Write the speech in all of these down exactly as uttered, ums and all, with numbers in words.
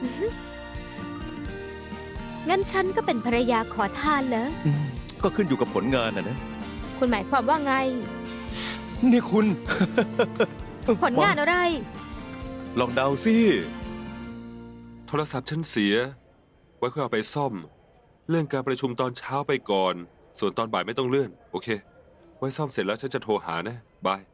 งั้นฉันก็เป็นภรรยาขอทานเหรออืมก็ขึ้นอยู่กับผลงานนะนะคุณหมายความว่าไงนี่คุณผลงานอะไรลองเดาสิโทรศัพท์ฉันเสีย ไว้ค่อยเอาไปซ่อม เลื่อนการประชุมตอนเช้าไปก่อน ส่วนตอนบ่ายไม่ต้องเลื่อน โอเค ไว้ซ่อมเสร็จแล้วฉันจะโทรหานะ บาย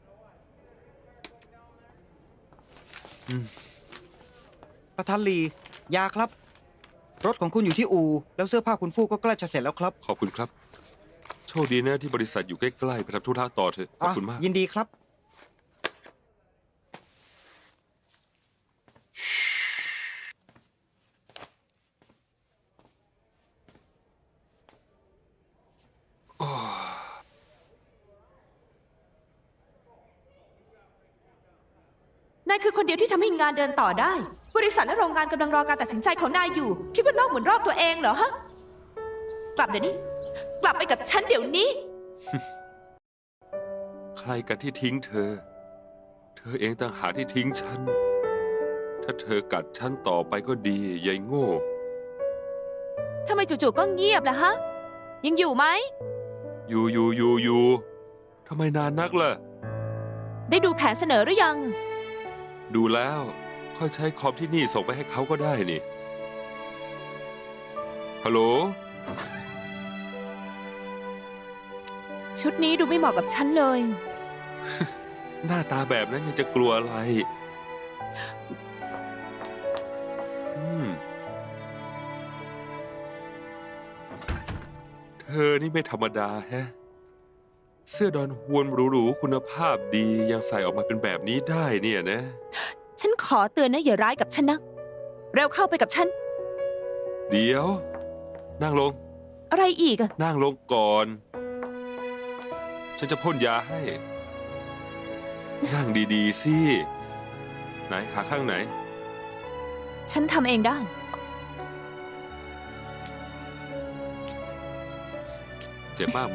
ประธานลียาครับ รถของคุณอยู่ที่อู่แล้วเสื้อผ้าคุณฟูกก็ใกล้จะเสร็จแล้วครับขอบคุณครับ โชคดีนะที่บริษัทอยู่ใกล้ๆไปทำธุระต่อเถอะ ขอบคุณมากยินดีครับนายคือคนเดียวที่ทำให้งานเดินต่อได้ บริษัทและโรงงานกำลังรอการตัดสินใจของนายอยู่ คิดว่าโลกหมุนรอบตัวเองเหรอฮะ กลับเดี๋ยวนี้ กลับไปกับฉันเดี๋ยวนี้ใครกันที่ทิ้งเธอ เธอเองต่างหากที่ทิ้งฉัน ถ้าเธอกัดฉันต่อไปก็ดียายโง่ทำไมจู่ๆก็เงียบล่ะฮะ ยังอยู่ไหมอยู่อยู่อยู่อยู่ทำไมนานนักล่ะได้ดูแผนเสนอหรือยังดูแล้ว ค่อยใช้คอมที่นี่ส่งไปให้เขาก็ได้นี่ ฮัลโหลชุดนี้ดูไม่เหมาะกับฉันเลยหน้าตาแบบนั้นยังจะกลัวอะไร อืม เธอนี่ไม่ธรรมดาแฮะ เสื้อดอนฮวนหรูๆคุณภาพดียังใส่ออกมาเป็นแบบนี้ได้เนี่ยนะฉันขอเตือนนะอย่าร้ายกับฉันนะ เร็วเข้าไปกับฉันเดี๋ยว นั่งลงอะไรอีกอะนั่งลงก่อน ฉันจะพ่นยาให้ นั่งดีๆสิ ไหนขาข้างไหนฉันทำเองได้เจ็บมากไหม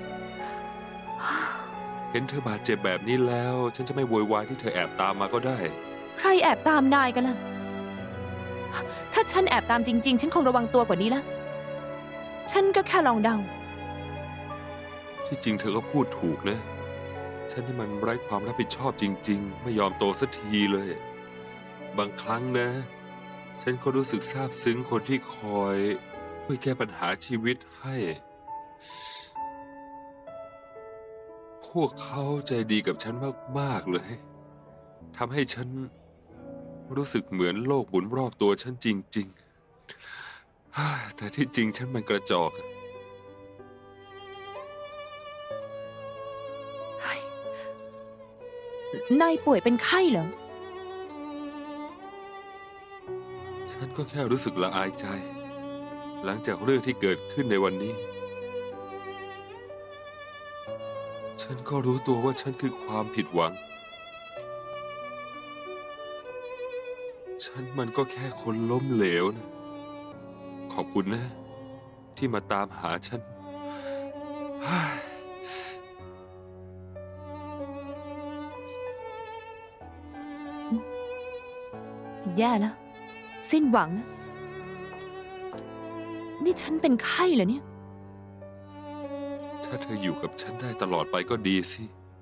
เห็นเธอบาดเจ็บแบบนี้แล้ว ฉันจะไม่โวยวายที่เธอแอบตามมาก็ได้ใครแอบตามนายกันล่ะ ถ้าฉันแอบตามจริง ๆ ฉันคงระวังตัวกว่านี้ละ ฉันก็แค่ลองเดาที่จริงเธอก็พูดถูกนะ ฉันนี่มันไร้ความรับผิดชอบจริง ๆ ไม่ยอมโตสักทีเลย บางครั้งนะ ฉันก็รู้สึกซาบซึ้งคนที่คอยช่วยแก้ปัญหาชีวิตให้ พวกเขาใจดีกับฉันมากๆเลยทำให้ฉันรู้สึกเหมือนโลกหมุนรอบตัวฉันจริงๆ แต่ที่จริงฉันมันกระจอกนายป่วยเป็นไข้เหรอฉันก็แค่รู้สึกละอายใจ หลังจากเรื่องที่เกิดขึ้นในวันนี้ ฉันก็รู้ตัวว่าฉันคือความผิดหวัง ฉันมันก็แค่คนล้มเหลวนะ ขอบคุณนะ ที่มาตามหาฉันแย่แล้ว สิ้นหวังนะนี่ฉันเป็นไข้เหรอเนี่ยถ้าเธออยู่กับฉันได้ตลอดไปก็ดีสิ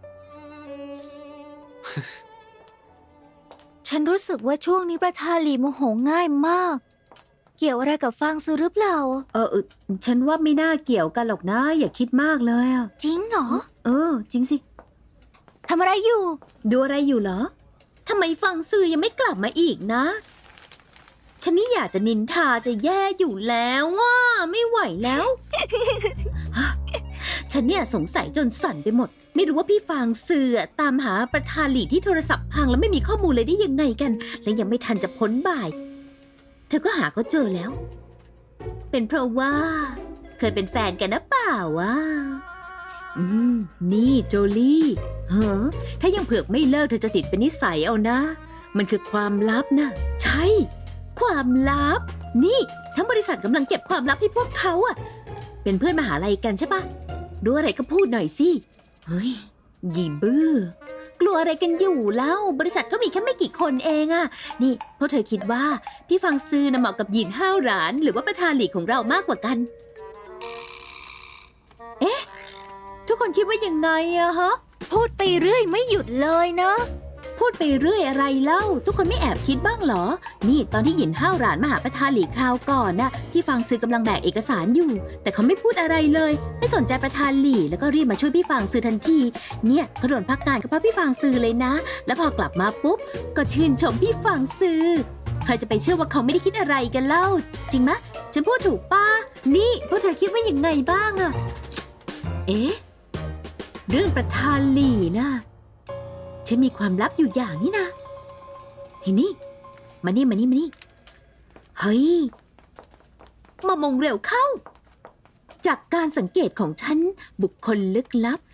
ฉันรู้สึกว่าช่วงนี้ประธานหลีโมโหง่ายมาก เกี่ยวอะไรกับฟางซูหรือเปล่าเออเออฉันว่าไม่น่าเกี่ยวกันหรอกนะ อย่าคิดมากเลยอ่ะจริงเหรอเออ จริงสิทำอะไรอยู่ดูอะไรอยู่เหรอทำไมฟังซื่อยังไม่กลับมาอีกนะ ฉันนี่อยากจะนินทาจะแย่อยู่แล้วว่าไม่ไหวแล้ว ฉันเนี่ยสงสัยจนสั่นไปหมด ไม่รู้ว่าพี่ฟางเสือตามหาประธานหลีที่โทรศัพท์พังแล้วไม่มีข้อมูลเลยได้ยังไงกัน และยังไม่ทันจะพ้นบ่าย เธอก็หาเขาเจอแล้ว เป็นเพราะว่า เคยเป็นแฟนกันนะเปล่าวะอืมนี่โจลี่เฮ้อถ้ายังเผือกไม่เลิกเธอจะติดเป็นนิสัยเอานะ มันคือความลับนะใช่ ความลับ นี่ทั้งบริษัทกำลังเก็บความลับให้พวกเขาอะเป็นเพื่อนมหาลัยกันใช่ปะรู้อะไรก็พูดหน่อยสิเฮ้ยหยีบื้อกลัวอะไรกันอยู่แล้ว บริษัทก็มีแค่ไม่กี่คนเองอะนี่พวกเธอคิดว่าพี่ฟังซือน่ะเหมาะกับหยินห้าวหราน หรือว่าประธานหลีกของเรามากกว่ากัน เอ๊ะ ทุกคนคิดว่ายังไงอะฮะพูดไปเรื่อยไม่หยุดเลยนะพูดไปเรื่อยอะไรเล่า ทุกคนไม่แอบคิดบ้างเหรอ นี่ตอนที่หยินห้าวหรานมาหาประธานหลีคราวก่อนน่ะพี่ฟางซือกำลังแบกเอกสารอยู่ แต่เขาไม่พูดอะไรเลย ไม่สนใจประธานหลีแล้วก็รีบมาช่วยพี่ฟางซือทันที เนี่ยเขาโดนพักงานก็เพราะพี่ฟางซือเลยนะ แล้วพอกลับมาปุ๊บก็ชื่นชมพี่ฟางซือใครจะไปเชื่อว่าเขาไม่ได้คิดอะไรกันเล่า จริงมะฉันพูดถูกป้านี่พวกเธอคิดว่ายังไงบ้างอะเอ๊ะเรื่องประธานหลีนะฉันมีความลับอยู่อย่างนี้นะเฮ้ยนี่มานี่มานี่มานี่เฮ้ยมามองเร็วเข้า จากการสังเกตของฉันบุคคลลึกลับ